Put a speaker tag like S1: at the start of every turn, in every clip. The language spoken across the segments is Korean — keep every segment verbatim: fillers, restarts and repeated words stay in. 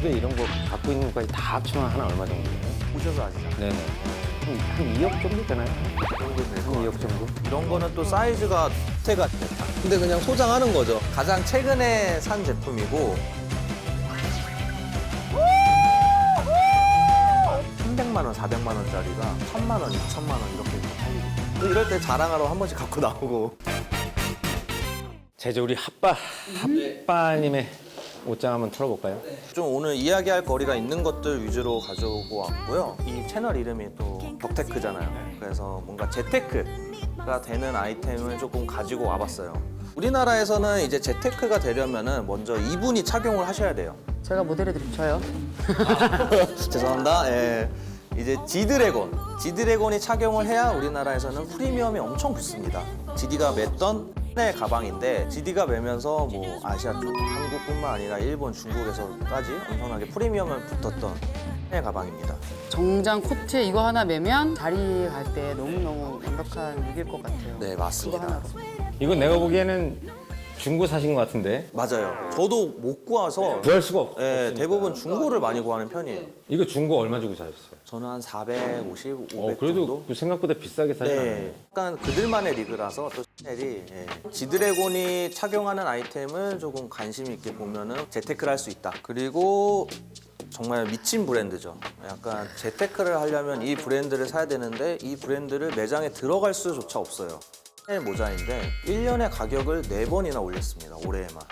S1: 집에 이런 거 갖고 있는 것까지 다 합치면 하나 얼마 정도예요?
S2: 보셔서 아시잖아요.
S1: 네네. 한, 한 이억 정도 되나요?
S2: 그 정도 될것
S1: 한
S2: 같아요.
S1: 이억 정도?
S2: 이런 거는 또 사이즈가 태가 근데 그냥 소장하는 거죠. 가장 최근에 산 제품이고 삼백만 원, 사백만 원짜리가 천만 원, 이천만 원 이렇게 팔리고 또 이럴 때 자랑하러 한 번씩 갖고 나오고
S1: 제주 우리 핫바, 핫바님의 옷장 한번 털어볼까요?
S2: 좀 오늘 이야기할 거리가 있는 것들 위주로 가져오고 왔고요. 이 채널 이름이 또 덕테크잖아요. 그래서 뭔가 재테크가 되는 아이템을 조금 가지고 와봤어요. 우리나라에서는 이제 재테크가 되려면은 먼저 이분이 착용을 하셔야 돼요.
S3: 제가 모델해드릴게요. 저요.
S2: 죄송합니다. 예. 이제 지드래곤. 지드래곤이 착용을 해야 우리나라에서는 프리미엄이 엄청 붙습니다. 지디가 맸던 의 가방인데 지디가 매면서 뭐 아시아 쪽 한국뿐만 아니라 일본, 중국에서까지 엄청나게 프리미엄을 붙었던 의 가방입니다.
S3: 정장 코트에 이거 하나 매면 자리 갈 때 너무너무 완벽한 룩일 것 같아요.
S2: 네,
S3: 그거
S2: 맞습니다.
S3: 하나로.
S1: 이건 내가 보기에는 중고 사신 것 같은데
S2: 맞아요. 저도 못 구해서
S1: 구할 수가 없,
S2: 예,
S1: 없으니까.
S2: 대부분 중고를 많이 구하는 편이에요.
S1: 이거 중고 얼마 주고 사셨어요?
S2: 저는 한 사백오십,
S1: 어,
S2: 오백
S1: 그래도
S2: 정도?
S1: 그 생각보다 비싸게 사지 않아요?
S2: 네, 약간 그들만의 리그라서 또 샤넬이 예. 지드래곤이 착용하는 아이템을 조금 관심 있게 보면은 재테크를 할 수 있다. 그리고 정말 미친 브랜드죠. 약간 재테크를 하려면 이 브랜드를 사야 되는데 이 브랜드를 매장에 들어갈 수조차 없어요. 샤넬 모자인데 일 년에 가격을 네 번이나 올렸습니다. 올해에만.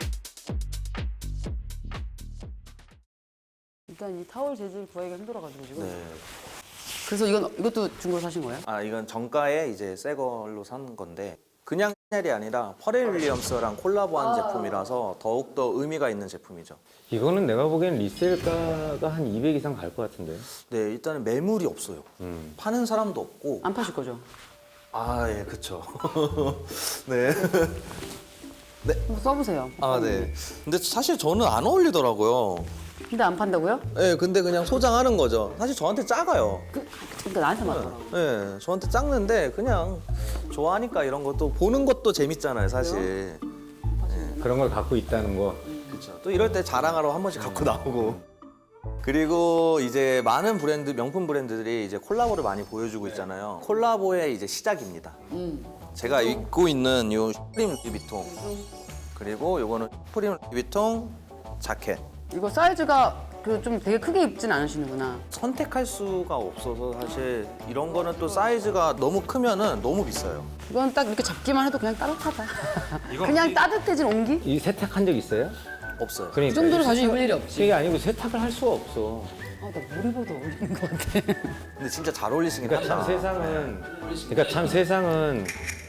S3: 일단 이 타월 재질 구하기가 힘들어가지고 지금.
S2: 네.
S3: 그래서 이건 이것도 중고로 사신 거예요?
S2: 아 이건 정가에 이제 새 걸로 산 건데 그냥 샤넬이 아니라 퍼렐 윌리엄스랑 콜라보한 제품이라서 더욱더 의미가 있는 제품이죠.
S1: 이거는 내가 보기엔 리셀가가 한 이백 이상 갈 것 같은데.
S2: 네, 일단은 매물이 없어요.
S1: 음.
S2: 파는 사람도 없고.
S3: 안 파실 거죠?
S2: 아, 예, 그쵸. 네.
S3: 한번 써보세요.
S2: 아, 네. 근데 사실 저는 안 어울리더라고요.
S3: 근데 안 판다고요?
S2: 네, 근데 그냥 소장하는 거죠. 사실 저한테 작아요.
S3: 그, 그러니까 나한테 맞더라.
S2: 네, 저한테 작는데 그냥 좋아하니까 이런 것도 보는 것도 재밌잖아요, 사실.
S1: 그런 걸 갖고 있다는 거.
S2: 그렇죠. 또 이럴 때 자랑하러 한 번씩 갖고 나오고. 그리고 이제 많은 브랜드, 명품 브랜드들이 이제 콜라보를 많이 보여주고 있잖아요. 콜라보의 이제 시작입니다.
S3: 음.
S2: 제가 입고 있는 이 슈프림 루이비통 그리고 요거는 슈프림 루이비통 자켓.
S3: 이거 사이즈가 그 좀 되게 크게 입진 않으시는구나.
S2: 선택할 수가 없어서 사실 이런 거는 또 사이즈가 너무 크면은 너무 비싸요.
S3: 이건 딱 이렇게 잡기만 해도 그냥 따뜻하다.
S1: 이건
S3: 그냥
S1: 이-
S3: 따뜻해진 온기?
S1: 이 세탁한 적 있어요?
S2: 없어요.
S1: 그러니까
S3: 이 정도로 가지고 입을 일이 없지.
S1: 그게 아니고 세탁을 할 수가 없어.
S3: 아, 나 뭘 입어도 어울리는 것 같아.
S2: 근데 진짜 잘 어울리시긴
S1: 그러니까 참
S2: 한다.
S1: 세상은 그러니까 참 세상은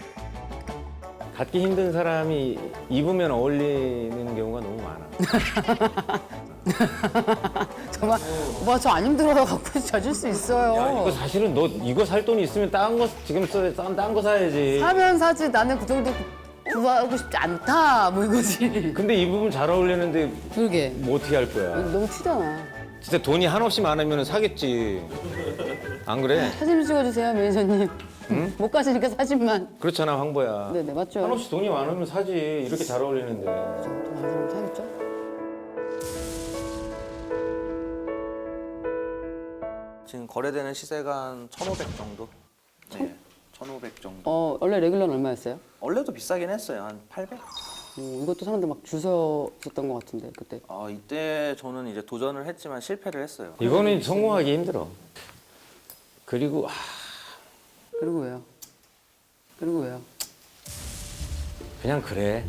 S1: 갖기 힘든 사람이 입으면 어울리는 경우가 너무 많아.
S3: 정말 오빠 저 안 힘들어도 갖고 젖을 수 있어요.
S1: 이거 사실은 너 이거 살 돈이 있으면 다른 거 지금 써야 딴 거 사야지.
S3: 사면 사지 나는 그 정도 구하고 싶지 않다 뭐 이거지.
S1: 근데 입으면 잘 어울리는데
S3: 그러게
S1: 뭐 어떻게 할 거야?
S3: 너무 튀잖아.
S1: 진짜 돈이 한없이 많으면 사겠지. 안 그래?
S3: 사진 찍어주세요 매니저님. 못 가시니까 사진만.
S1: 그렇잖아 황보야.
S3: 네네 맞죠.
S1: 한없이 돈이 많으면 사지. 이렇게 잘 어울리는데.
S3: 좀 많으면 사겠죠.
S2: 지금 거래되는 시세가 한 천오백 정도? 네, 천오백 정도.
S3: 어 원래 레귤러는 얼마였어요?
S2: 원래도 비싸긴 했어요. 한 팔백?
S3: 어, 이것도 사람들 막 줄 서었던 것 같은데 그때.
S2: 아, 이때 저는 이제 도전을 했지만 실패를 했어요.
S1: 이거는 성공하기 힘들어. 그리고 아,
S3: 그리고 왜요? 그리고 왜요?
S1: 그냥 그래.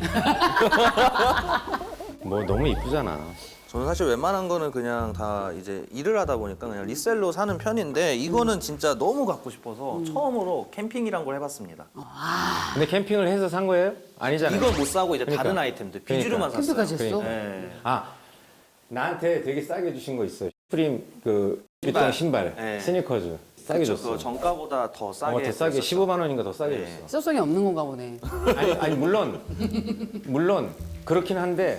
S1: 뭐 너무 이쁘잖아.
S2: 저는 사실 웬만한 거는 그냥 다 이제 일을 하다 보니까 그냥 리셀로 사는 편인데 이거는 진짜 너무 갖고 싶어서 처음으로 캠핑이란 걸 해봤습니다.
S1: 근데 캠핑을 해서 산 거예요? 아니잖아요.
S2: 이걸 못 사고 이제
S1: 그러니까.
S2: 다른 아이템들 비주류만 샀어요.
S3: 캠핑까지 했어?
S1: 그러니까.
S2: 네.
S1: 아 나한테 되게 싸게 주신 거 있어요. 슈프림 그
S2: 신발.
S1: 비통 신발,
S2: 네.
S1: 스니커즈 싸게
S2: 그쵸,
S1: 줬어.
S2: 그거 정가보다 더 싸게.
S1: 어, 더 싸게
S2: 했었죠.
S1: 십오만 원인가 더 싸게
S2: 네.
S1: 줬어.
S3: 실효성이 없는 건가 보네.
S1: 아니 아니 물론 물론 그렇긴 한데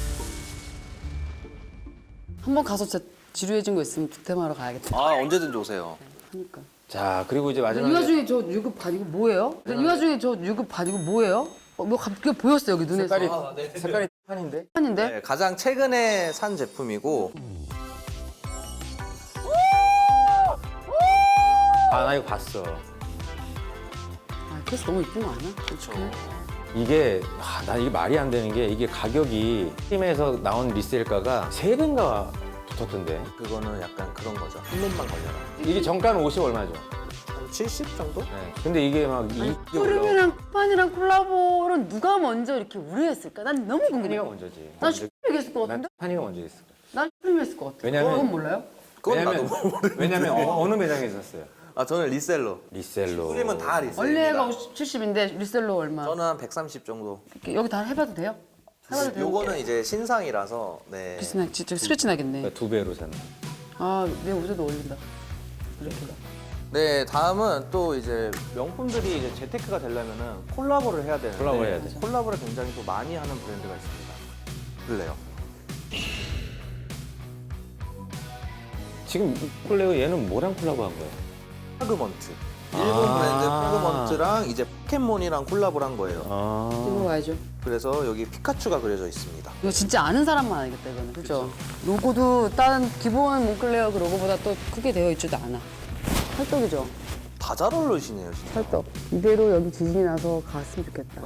S3: 한번 가서 진짜 지루해진 거 있으면 득템하러 가야겠다.
S2: 아 언제든지 오세요.
S3: 하니까.
S1: 자 그리고 이제
S3: 이
S1: 마지막에
S3: 와중에 저 유급 반 이거 뭐예요? 이 와중에 저 유급 반 이거 뭐예요? 어, 뭐 갑자기 보였어요 여기 눈에서.
S1: 색깔이 색깔이 판인데.
S3: 아닌데?
S2: 네, 가장 최근에 산 제품이고
S1: 아, 나 이거 봤어.
S3: 아, 케이스 너무 이쁜 거 아니야?
S2: 그렇죠.
S1: 이게 아, 나 이게 말이 안 되는 게 이게 가격이 팀에서 나온 리셀가가 세 배인가 붙었던데.
S2: 그거는 약간 그런 거죠. 한 놈만 걸려라.
S1: 이게 정가는 오십 얼마죠?
S2: 한 칠십 정도?
S1: 네. 근데 이게 막 이게 올라오고
S3: 푸름이랑 쿠판이랑 콜라보를 누가 먼저 이렇게 우려했을까? 난 너무 궁금해.
S1: 파니가 먼저지.
S3: 난 슈프림 얘기했을 것
S1: 난
S3: 같은데?
S1: 파니가 먼저 했을 거야.
S3: 난 슈프림 했을 것 같아.
S1: 왜냐면-
S3: 그건 몰라요?
S2: 그건
S1: 왜냐면
S2: 나도 모르
S1: 왜냐면 어, 어느 매장에 있었어요?
S2: 아, 저는 리셀로.
S1: 리셀로.
S2: 프림은 다 리셀입니다.
S3: 원래가 칠십인데 리셀로 얼마?
S2: 저는 한 백삼십 정도.
S3: 이렇게 여기 다 해봐도 돼요? 해봐도 돼요?
S2: 요거는 이제 신상이라서 네.
S3: 비스나 진짜 스트레치 나겠네.
S1: 그러니까 두 배로 샀네.
S3: 아, 내 옷에도 어울린다. 이렇게.
S2: 네, 다음은 또 이제 명품들이 이제 재테크가 되려면은 콜라보를 해야 되는데
S1: 콜라보 해야 돼.
S2: 콜라보를 굉장히 또 많이 하는 브랜드가 있습니다. 그래요.
S1: 지금 콜레오 얘는 뭐랑 콜라보 한 거예요?
S2: 프라그먼트. 일본
S1: 아.
S2: 브랜드 프라그먼트랑 이제 포켓몬이랑 콜라보를 한 거예요.
S3: 이거
S1: 아.
S3: 봐야죠.
S2: 그래서 여기 피카츄가 그려져 있습니다.
S3: 이거 진짜 아는 사람만 알겠다 이거는. 그죠? 로고도 다른 기본 몽클레어 그 로고보다 또 크게 되어 있지도 않아. 찰떡이죠?
S2: 다 잘 어울리시네요, 진짜.
S3: 찰떡. 이대로 여기 지진이 나서 갔으면 좋겠다.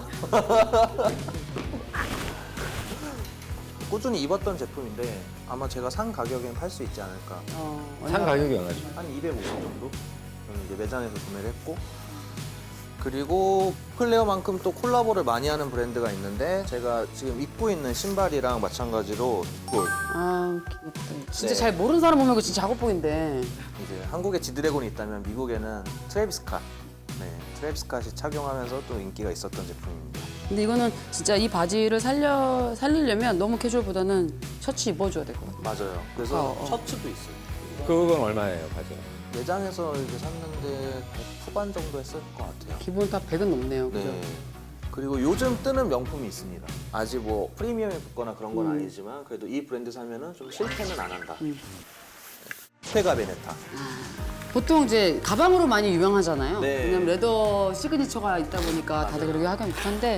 S2: 꾸준히 입었던 제품인데 아마 제가 산 가격엔 팔 수 있지 않을까.
S3: 어,
S1: 산
S3: 얼마-
S1: 가격이 얼마죠?
S2: 한 이백오십 정도? 저는 이제 매장에서 구매를 했고. 그리고 클레어만큼 또 콜라보를 많이 하는 브랜드가 있는데 제가 지금 입고 있는 신발이랑 마찬가지로 골.
S3: 아, 귀엽다. 진짜
S2: 네.
S3: 잘 모르는 사람 보면 이거 진짜 작업복인데.
S2: 이제 한국에 지드래곤이 있다면 미국에는 트래비스 스캇. 네, 트래비스 스캇이 착용하면서 또 인기가 있었던 제품입니다.
S3: 근데 이거는 진짜 이 바지를 살려 살리려면 너무 캐주얼보다는 셔츠 입어줘야 될 것 같아.
S2: 맞아요. 그래서
S3: 어, 어.
S2: 셔츠도 있어요.
S1: 그건 얼마예요, 바지가?
S2: 매장에서 이제 샀는데 백 후반 정도 했을 것 같아요.
S3: 기본 다 백은 넘네요. 그죠?
S2: 네. 그리고 요즘 뜨는 명품이 있습니다. 아직 뭐 프리미엄이 붙거나 그런 건
S3: 음.
S2: 아니지만 그래도 이 브랜드 사면은 좀 실패는 안 한다.
S3: 음.
S2: 페가 베네타.
S3: 보통 이제 가방으로 많이 유명하잖아요.
S2: 네.
S3: 왜냐면 레더 시그니처가 있다 보니까 다들 그렇게 하긴 못한데.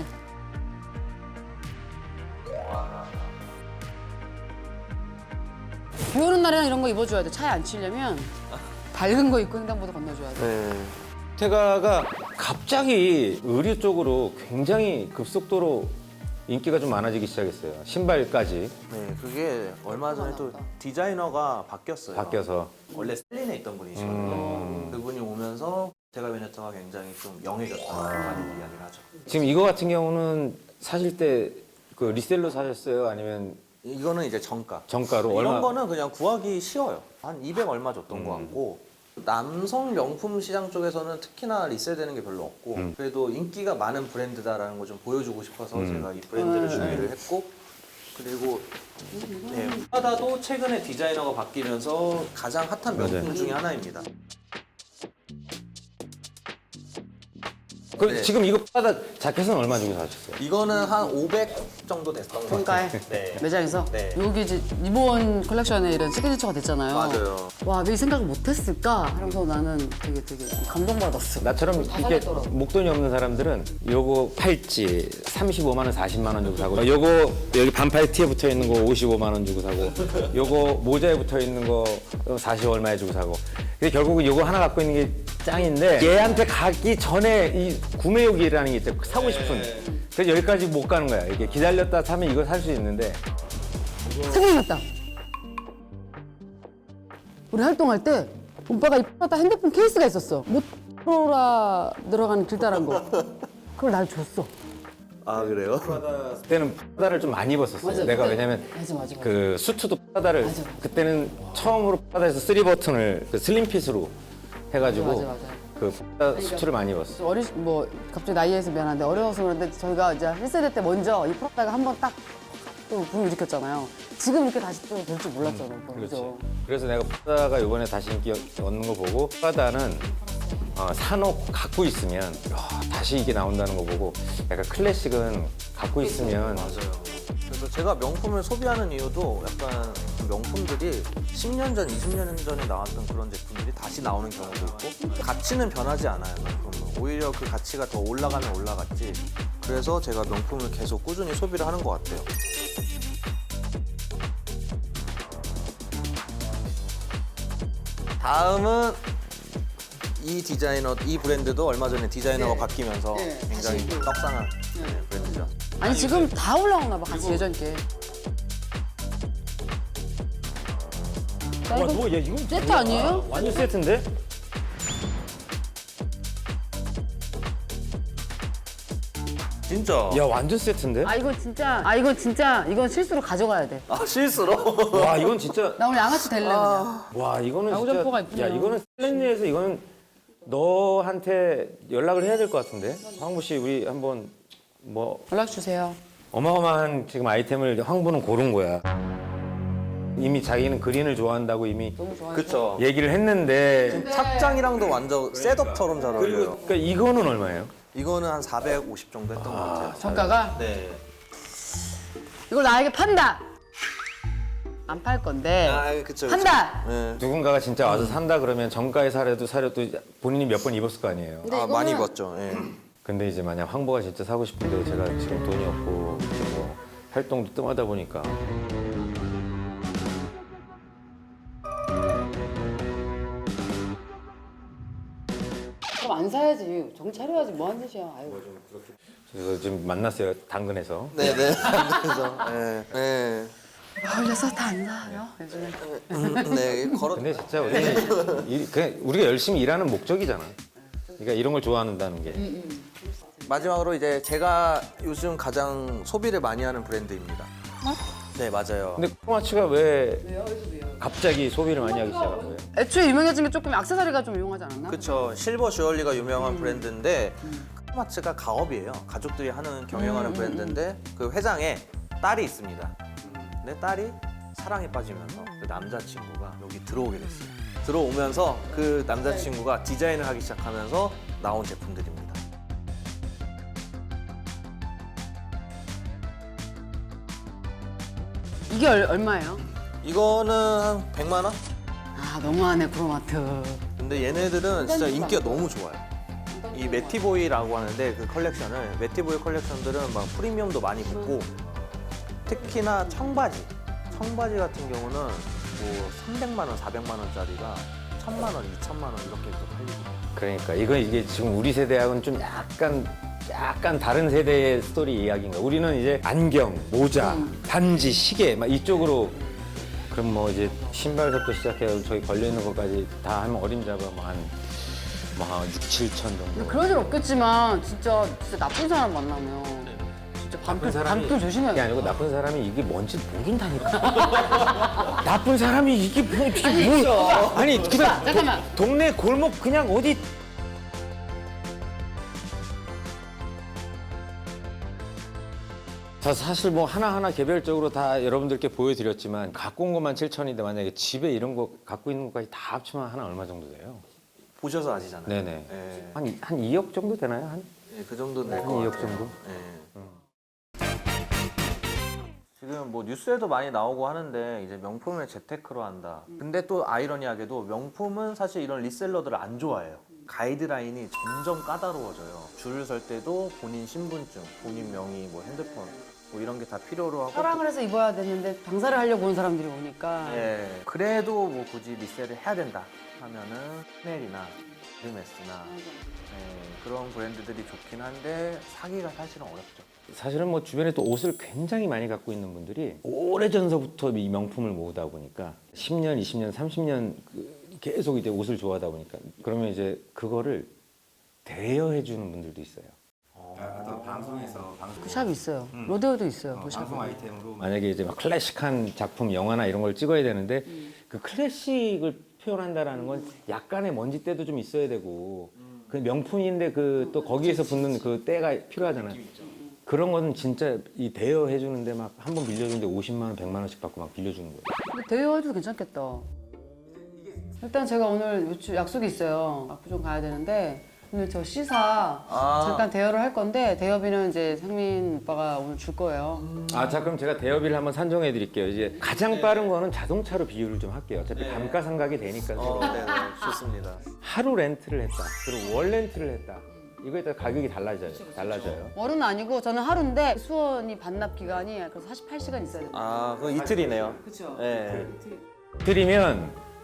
S3: 비 오는 날에는 이런 거 입어줘야 돼. 차에 안 치려면 밝은 거 입고 횡단보도 건너줘야 돼.
S2: 네.
S1: 테가가 갑자기 의류 쪽으로 굉장히 급속도로 인기가 좀 많아지기 시작했어요. 신발까지
S2: 네, 그게 얼마 전에 또 디자이너가 바뀌었어요.
S1: 바뀌어서.
S2: 원래 셀린에 있던 분이시거든요.
S1: 음.
S2: 그분이 오면서 페가 베네타가 굉장히 좀 영해졌다고 많이 이야기를 하죠.
S1: 지금 이거 같은 경우는 사실 때 그 리셀로 사셨어요? 아니면
S2: 이거는 이제 정가.
S1: 정가로
S2: 이런
S1: 얼마?
S2: 거는 그냥 구하기 쉬워요. 한 이백 얼마 줬던 것 같고 남성 명품 시장 쪽에서는 특히나 리셀되는 게 별로 없고
S1: 음.
S2: 그래도 인기가 많은 브랜드다라는 걸 좀 보여주고 싶어서
S1: 음.
S2: 제가 이 브랜드를
S3: 음.
S2: 준비를 했고 그리고 네, 프라다도 최근에 디자이너가 바뀌면서 가장 핫한 명품
S1: 맞아요.
S2: 중에 하나입니다.
S1: 그
S2: 네.
S1: 지금 이거 바다 자켓은 얼마 주고 사셨어요?
S2: 이거는 한 오백 정도 됐던 것
S3: 평가에
S2: 같아요. 네.
S3: 매장에서
S2: 네.
S3: 여기 이제 이번 컬렉션에 이런 시그니처가 됐잖아요.
S2: 맞아요.
S3: 와, 왜 이 생각을 못했을까? 하면서 나는 되게 되게 감동받았어.
S1: 나처럼
S3: 다
S1: 이렇게
S3: 사겠더라고.
S1: 목돈이 없는 사람들은 요거 팔찌 삼십오만 원, 사십만 원 주고 사고 요거 여기 반팔 티에 붙어 있는 거 오십오만 원 주고 사고 요거 모자에 붙어 있는 거 사십 얼마에 주고 사고 근데 결국은 요거 하나 갖고 있는 게 짱인데 얘한테 가기 전에 이 구매욕이라는 게 있대 사고 싶은 그래서 여기까지 못 가는 거야 이게 기다렸다 사면 이거 살 수 있는데
S3: 생각났다. 우리 활동할 때 오빠가 입었다 핸드폰 케이스가 있었어. 모토로라 들어가는 길다란 거. 그걸 날 줬어.
S2: 아 그래요?
S1: 그때는 프라다를 좀 많이 입었었어요
S3: 맞아,
S1: 내가
S3: 그때-
S1: 왜냐면
S3: 맞아, 맞아, 맞아.
S1: 그 수트도 프라다를
S3: 맞아, 맞아.
S1: 그때는 처음으로 프라다에서 쓰리 버튼을 그 슬림핏으로 해가지고
S3: 맞아, 맞아.
S1: 그 프라다 수트를 많이 입었어.
S3: 어리 뭐 갑자기 나이에서 미안한데 어려워서 그런데 저희가 이제 일 세대 때 먼저 이 프로다가 한번 딱 또 붐을 일으켰잖아요. 지금 이렇게 다시 또 될 줄 몰랐잖아. 오빠.
S1: 그렇지.
S3: 그죠?
S1: 그래서 내가 프라다가 이번에 다시 인기 얻는 거 보고 프라다는 어, 사놓고 갖고 있으면 야, 다시 이게 나온다는 거 보고 약간 클래식은 갖고 있으면
S2: 맞아요. 그래서 제가 명품을 소비하는 이유도 약간 그 명품들이 십 년 전, 이십 년 전에 나왔던 그런 제품들이 다시 나오는 경우도 있고 가치는 변하지 않아요, 명품은. 오히려 그 가치가 더 올라가면 올라갔지. 그래서 제가 명품을 계속 꾸준히 소비를 하는 것 같아요. 다음은 이 디자이너, 이 브랜드도 얼마 전에 디자이너가
S3: 네.
S2: 바뀌면서
S3: 네,
S2: 굉장히
S3: 다시 또.
S2: 떡상한 네, 브랜드죠.
S3: 아니 지금 다 올라오나 봐 같이 예전 게. 야,
S1: 와,
S3: 이거
S1: 뭐, 야, 이건
S3: 세트
S1: 뭐야?
S3: 아니에요?
S1: 완전 세트인데?
S2: 진짜.
S1: 야, 완전 세트인데?
S3: 아 이거 진짜 아 이거 진짜 이건 실수로 가져가야 돼.
S2: 아, 실수로?
S1: 와, 이건 진짜.
S3: 나 오늘 양아치 될래 그냥.
S1: 와, 이거는
S3: 야구
S1: 진짜.
S3: 점퍼가 있구나.
S1: 야, 이거는 슬렌리에서 이거는 너한테 연락을 해야 될 것 같은데? 황보 씨, 우리 한번 뭐
S3: 연락 주세요.
S1: 어마어마한 지금 아이템을 황보는 고른 거야. 이미 자기는 그린을 좋아한다고 이미
S3: 너무 좋아요.
S2: 그쵸.
S1: 얘기를 했는데.
S2: 착장이랑도 완전 셋업처럼 잘 어울려요.
S1: 그러니까 이거는 얼마예요?
S2: 이거는 한 사백오십 정도 했던 것 같아요.
S3: 정가가
S2: 네.
S3: 이걸 나에게 판다. 안 팔 건데
S2: 아, 그쵸, 그쵸.
S3: 판다.
S2: 네.
S1: 누군가가 진짜 와서 산다 그러면 정가에 사려도 사려도 본인이 몇 번 입었을 거 아니에요.
S3: 근데
S2: 아, 많이
S3: 이거는-
S2: 입었죠. 예.
S1: 근데 이제 만약 황보가 진짜 사고 싶은데 제가 지금 돈이 없고 뭐 활동도 뜸하다 보니까
S3: 그럼 안 사야지. 정신 차려야지. 뭐 하는 짓이야. 아이고.
S1: 그래서 지금 만났어요 당근에서.
S2: 네네. 그래서, 네. 네.
S3: 걸려서 다 안 사요. 요즘에.
S2: 음, 네. 걸어.
S1: 근데 진짜 우리 이- 그냥 우리가 열심히 일하는 목적이잖아. 그러니까 이런 걸 좋아한다는 게.
S2: 마지막으로 이제 제가 요즘 가장 소비를 많이 하는 브랜드입니다. 네, 맞아요.
S1: 근데 코마츠가 왜 갑자기 소비를 많이 하기 시작한 거예요?
S3: 애초에 유명해진 게 조금 액세서리가 좀 유용하지 않았나?
S2: 그쵸. 실버 주얼리가 유명한 브랜드인데 크로마츠가 가업이에요. 가족들이 하는 경영하는 브랜드인데 그 회장에 딸이 있습니다. 근데 딸이 사랑에 빠지면서 그 남자친구가 여기 들어오게 됐어요. 들어오면서 그 남자친구가 디자인을 하기 시작하면서 나온 제품들입니다.
S3: 이게 얼, 얼마예요?
S2: 이거는 한 백만 원?
S3: 아 너무하네 크로마트.
S2: 근데 얘네들은 진짜 인기가 너무 좋아요. 이 매티보이라고 하는데 그 컬렉션을 매티보이 컬렉션들은 막 프리미엄도 많이 붙고 특히나 청바지 청바지 같은 경우는 뭐 삼백만 원, 사백만 원짜리가 천만 원, 이천만 원 이렇게 또 팔리고.
S1: 그러니까 이거 이게 지금 우리 세대하고는 좀 약간 약간 다른 세대의 스토리 이야기인가. 우리는 이제 안경, 모자, 반지, 시계 막 이쪽으로. 그럼 뭐 이제 신발부터 시작해서 저기 걸려 있는 것까지 다 하면 어림잡아 뭐한뭐 육, 칠천 정도.
S3: 그럴 일 없겠지만 진짜 진짜 나쁜 사람 만나면 진짜 밤길 밤길 조심해야
S1: 그게
S3: 돼.
S1: 아니고 나쁜 사람이 이게 뭔지 모른다니까. 나쁜 사람이 이게 뭐 이게
S3: 아니,
S1: 뭘?
S3: 있어.
S1: 아니 그냥
S3: 자, 잠깐만.
S1: 도- 동네 골목 그냥 어디. 자, 사실 뭐 하나하나 개별적으로 다 여러분들께 보여드렸지만 갖고 온 것만 칠천인데 만약에 집에 이런 거 갖고 있는 것까지 다 합치면 하나 얼마 정도 돼요?
S2: 보셔서 아시잖아요.
S1: 네네.
S2: 예.
S1: 한, 한 이억 정도 되나요? 한?
S2: 예, 그 정도는
S1: 한
S2: 될것
S1: 이억
S2: 같아요.
S1: 정도?
S2: 예. 지금 뭐 뉴스에도 많이 나오고 하는데 이제 명품을 재테크로 한다. 근데 또 아이러니하게도 명품은 사실 이런 리셀러들을 안 좋아해요. 가이드라인이 점점 까다로워져요. 줄을 설 때도 본인 신분증, 본인 명의, 뭐 핸드폰 뭐 이런 게 다 필요로 하고.
S3: 사랑을 해서 입어야 되는데 장사를 하려고 온 사람들이 오니까
S2: 예. 그래도 뭐 굳이 리셀을 해야 된다 하면은 샤넬이나 헤르메스나 예, 그런 브랜드들이 좋긴 한데 사기가 사실은 어렵죠.
S1: 사실은 뭐 주변에 또 옷을 굉장히 많이 갖고 있는 분들이 오래전서부터 이 명품을 모으다 보니까 십 년, 이십 년, 삼십 년 그 계속 이제 옷을 좋아하다 보니까 그러면 이제 그거를 대여해 주는 분들도 있어요. 방송에서
S3: 그 샵이 있어요. 로데오도 있어요. 그 샵이.
S1: 아이템으로 만약에 이제 막 클래식한 작품, 영화나 이런 걸 찍어야 되는데 그 클래식을 표현한다라는 건 약간의 먼지때도 좀 있어야 되고 그 명품인데 그 또 거기에서 붙는 그 때가 필요하잖아요. 그런 거는 진짜 이 대여해 주는데 막 한 번 빌려주는데 오십만 원, 백만 원씩 받고 막 빌려주는 거예요.
S3: 근데 대여해도 괜찮겠다. 일단 제가 오늘 요즘 약속이 있어요. 압구정 가야 되는데 오늘 저 C사
S2: 아.
S3: 잠깐 대여를 할 건데 대여비는 이제 상민 오빠가 오늘 줄 거예요.
S1: 아, 자 그럼 제가 대여비를 한번 산정해 드릴게요. 이제 가장 빠른 거는 자동차로 비유를 좀 할게요. 어차피 감가상각이 되니까 서로.
S2: 어, 네네. 좋습니다.
S1: 하루 렌트를 했다. 그리고 월 렌트를 했다. 이거에 따라 가격이 달라져요. 달라져요.
S3: 월은 아니고 저는 하루인데 수원이 반납 기간이 그래서 사십팔 시간 있어야 돼요.
S2: 아, 그 이틀이네요.
S3: 그렇죠.
S2: 네.
S1: 드리면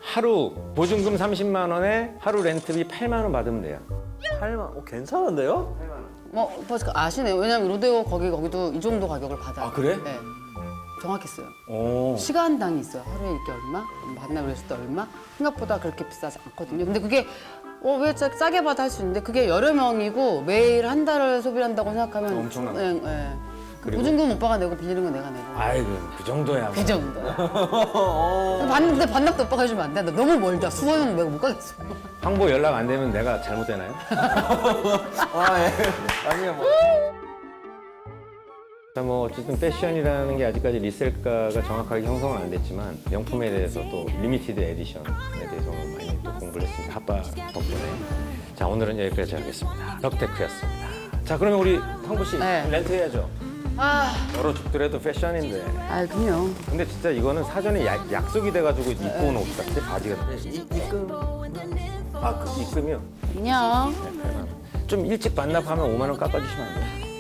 S1: 하루 보증금 삼십만 원에 하루 렌트비 팔만 원 받으면 돼요.
S2: 팔만 어, 괜찮은데요?
S3: 뭐 벌써 아시네요. 왜냐면 로데오 거기 거기도 이 정도 가격을 받아요.
S1: 아, 그래?
S3: 네. 정확했어요.
S1: 오.
S3: 시간당이 있어요. 하루에 이렇게 얼마? 만나 그랬을 때 얼마? 생각보다 그렇게 비싸지 않거든요. 근데 그게 어, 왜 싸, 싸게 받아 할 수 있는데 그게 여러 명이고 매일 한 달을 소비를 한다고 생각하면
S1: 엄청나죠.
S3: 네, 네.
S1: 그리고-
S3: 보증금 오빠가 내고 빌리는 건 내가 내고
S1: 아이고 그 정도야.
S3: 그 정도야. 봤는데 반납도 오빠가 해주면 안 돼. 나 너무 멀다. 수원은 내가 못 가겠어.
S1: 황보 연락 안 되면 내가 잘못되나요?
S2: 아, 예. 아니요, 뭐.
S1: 자, 뭐 어쨌든 패션이라는 게 아직까지 리셀가가 정확하게 형성은 안 됐지만 명품에 대해서 또 리미티드 에디션에 대해서 오늘 많이 또 공부를 했습니다. 핫바 덕분에. 자, 오늘은 여기까지 하겠습니다. 덕테크였습니다. 자, 그러면 우리 황보 씨
S3: 네.
S1: 렌트 해야죠.
S3: 아,
S1: 여러 죽더라도 패션인데.
S3: 아 그럼요.
S1: 근데 진짜 이거는 사전에 야- 약속이 돼가지고 입고 온 옷 같아. 바지가.
S2: 이, 입금.
S1: 아, 그 입금이요?
S3: 안녕.
S1: 좀 일찍 반납하면 오만 원 깎아주시면 안 돼요?